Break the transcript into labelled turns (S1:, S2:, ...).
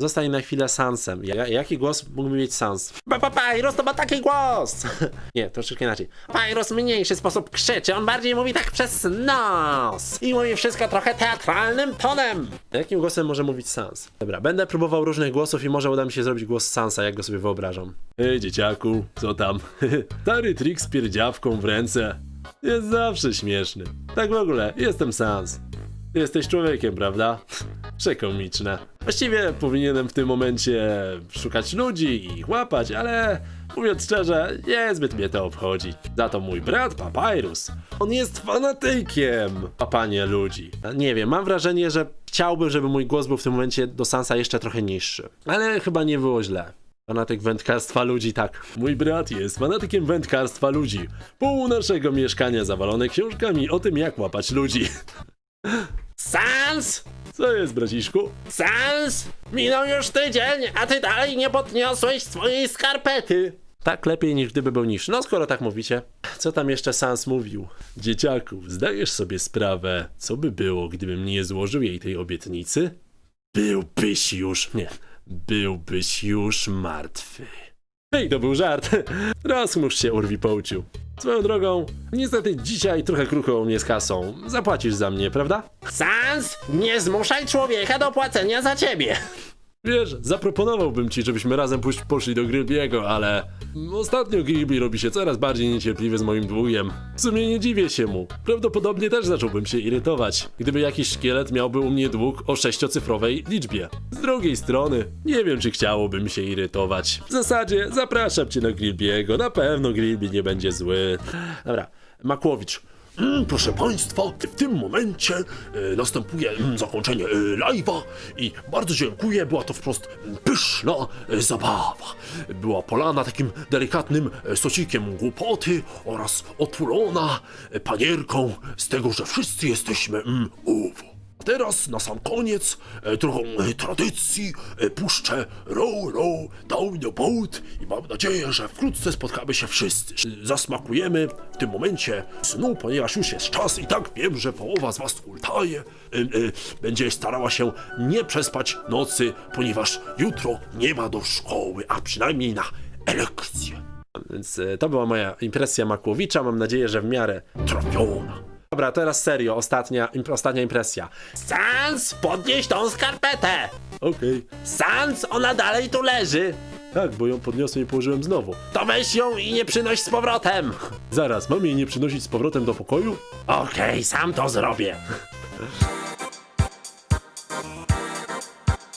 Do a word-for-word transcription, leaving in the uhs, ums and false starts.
S1: Zostań na chwilę Sansem. Ja, jaki głos mógłby mieć Sans? Papyrus to ma taki głos! Nie, troszeczkę inaczej. Papyrus mniejszy sposób krzyczy, on bardziej mówi tak przez nos. I mówi wszystko trochę teatralnym tonem. Jakim głosem może mówić Sans? Dobra, będę próbował różnych głosów i może uda mi się zrobić głos Sansa, jak go sobie wyobrażam. Ej, dzieciaku, co tam? Stary trik z pierdziawką w ręce. Jest zawsze śmieszny. Tak w ogóle, jestem Sans. Ty jesteś człowiekiem, prawda? Przekomiczne. Właściwie powinienem w tym momencie szukać ludzi i ich łapać, ale mówiąc szczerze, niezbyt mnie to obchodzi. Za to mój brat Papyrus, on jest fanatykiem łapania ludzi. Nie wiem, mam wrażenie, że chciałbym, żeby mój głos był w tym momencie do Sansa jeszcze trochę niższy. Ale chyba nie było źle. Fanatyk wędkarstwa ludzi, tak. Mój brat jest fanatykiem wędkarstwa ludzi. Pół naszego mieszkania zawalone książkami o tym, jak łapać ludzi. Sans! Co jest, braciszku? Sans! Minął już tydzień, a ty dalej nie podniosłeś swojej skarpety. Tak lepiej niż gdyby był niższy. No skoro tak mówicie. Co tam jeszcze Sans mówił? Dzieciaku, zdajesz sobie sprawę, co by było, gdybym nie złożył jej tej obietnicy? Byłbyś już... Nie. Byłbyś już martwy. Hej, to był żart. Rozchmurz się, urwi połciu. Swoją drogą, niestety dzisiaj trochę krucho u mnie z kasą. Zapłacisz za mnie, prawda? Sans, nie zmuszaj człowieka do płacenia za ciebie. Wiesz, zaproponowałbym ci, żebyśmy razem pójść, poszli do Grilbiego, ale... Ostatnio Grilby robi się coraz bardziej niecierpliwy z moim długiem. W sumie nie dziwię się mu. Prawdopodobnie też zacząłbym się irytować, gdyby jakiś szkielet miałby u mnie dług o sześciocyfrowej liczbie. Z drugiej strony, nie wiem, czy chciałoby mi się irytować. W zasadzie zapraszam cię na Grilbiego, na pewno Grilby nie będzie zły. Dobra, Makłowicz.
S2: Mm, proszę Państwa, w tym momencie e, następuje mm, zakończenie e, live'a i bardzo dziękuję, była to wprost mm, pyszna e, zabawa. Była polana takim delikatnym e, sosikiem głupoty oraz otulona e, panierką z tego, że wszyscy jesteśmy mm, uwo. A teraz na sam koniec e, trochę e, tradycji e, puszczę Row Row Down the Boat i mam nadzieję, że wkrótce spotkamy się wszyscy. E, Zasmakujemy w tym momencie snu, ponieważ już jest czas i tak wiem, że połowa z was ultaje. E, e, będzie starała się nie przespać nocy, ponieważ jutro nie ma do szkoły, a przynajmniej na lekcję.
S1: Więc e, to była moja impresja Makłowicza, mam nadzieję, że w miarę
S2: Trafiona.
S1: Dobra, teraz serio, ostatnia, imp ostatnia impresja. Sans, podnieś tą skarpetę! Okej. Okay. Sans, ona dalej tu leży! Tak, bo ją podniosłem i położyłem znowu. To weź ją i nie przynoś z powrotem! Zaraz, mam jej nie przynosić z powrotem do pokoju? Okej, okay, sam to zrobię.